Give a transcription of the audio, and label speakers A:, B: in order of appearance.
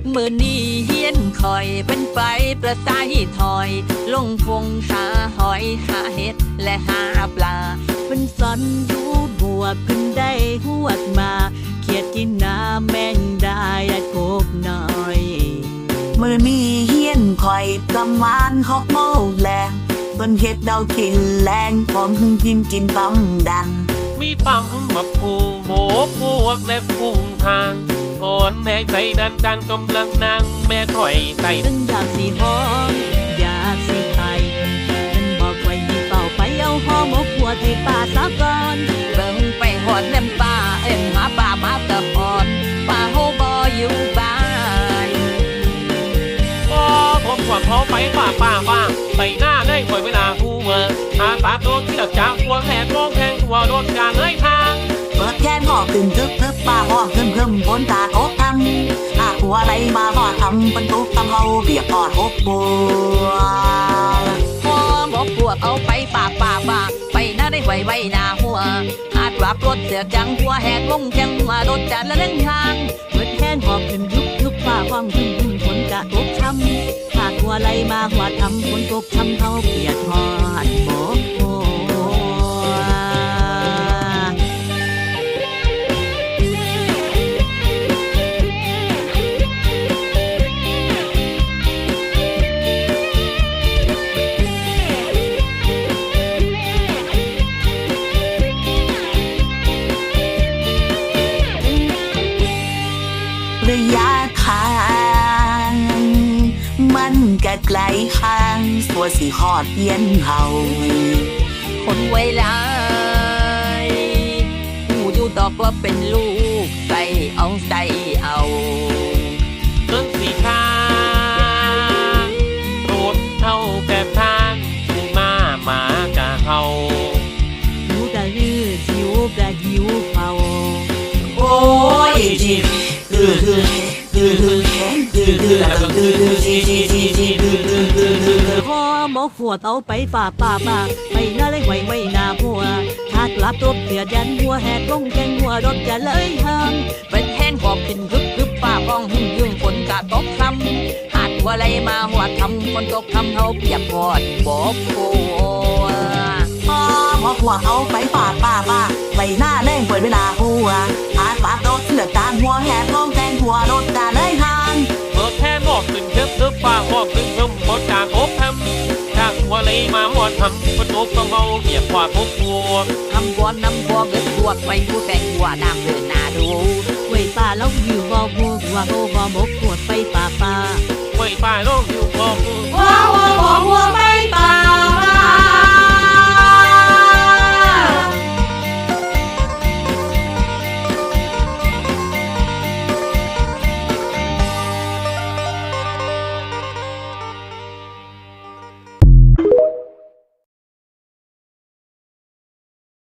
A: มื่อนี้เฮียนคอยเป็นไปประสายถอยลงคงหาหอยหาเห็ดและหาปลาเพิ่นสอนอยู่บวกเพิ่นได้หวดมาเขียดกินน้ำแมงได้กบน้อย
B: มือนี้เฮียนคอยประมาณ6 โมงแลงเพิ่นเฮ็ดดาวกินแรงพร้อมกินกินปั๊มดัน
C: มีปั๊มมาปูหมูพวกและพุงทางอ่อนแม่ใจดันกำลังนั่งแม่ถอยใส่
A: ตึงอยากสิหอมอยากสิไทยฉันบอกไว้มีเป่าไปเอาหอมกหัวที่ป่าสะก่อนเบิ่งไปหอดเล่มป่าเอ็มหาป่ามาตะหอดป่าโฮบออยู่บ้าน
C: ผมขวดเขาไปป่าไปหน้าได้ปล่อยเวลาคู่เมื่ออาตาโดนที่หลักจากหัวแหลกมองแทงหัวโดนการเลยทาง
B: เปิดแค่หอขึ้นทึบป่าหอขึ้นบนตาโคกทำหัวอะไรมาหอทำเป็นตุ๊กทำเอาเปียกหอดหกบัว
A: พอบอกพวกเอาไปป่าไปหน้าได้ไว้หน้าหัวหาดวับรถเสือจังหัวแหกลงแข้งมารถจัดและเล่นทางเปิดแค่หอบขึ้นยุบป่าห้องขึ้นฝนกะตกช้ำหาดหัวไรมาหัวทำฝนตกช้ำเท่าเปียกหอดบอก
B: ระยะทางมันก็ไกลห่างตัวสิหอดเย็นเฮา
A: คนไว้ลายหูอยู่ตอบว่าเป็นลูกใส่เอา
C: ต้นสีทางรถเท่าแบบทางถึงมากะเฮา
A: หิวกะลือหิวกะหิวเผา
B: โอ้ยจี
A: พอหมอขวดเอาไปป่าไปหน้าเลยไว้หน้าหัวหากลับตัวเสือยันหัวแหกลงแกงหัวรถจะเลยห่างเป็นแห้งหอบขึ้นกึบป่าป้องหุ่นยืงฝนกะตกคำหาดหัวไรมาหัวทำฝนตกคำเฮาเปียกพอดบอกโอ้
B: หมอขวดเอาไปป่าไปหน้าแดงเปิดเวลาหัวหาดป่าโดดเสือกางหัวแหกลงแกงหัวรถจะเลยห่าง
C: เปิดแค่หอบขึ้นทึบป่าหอบขึ้นบนจากโอบทำจากหัวเลยมาหัวทำฝนตกต้องเอาเปียกกว่าทุกหัว
A: ทำบอลน้ำบอลเกิดบวกไปผู้แต่งหัวน้ำเดินหน้าดูไว้ป่าแล้วอยู่บ่หัวโบหมกขวดไปป่า
C: ไว้ป่าแล้วอยู่บ่หัว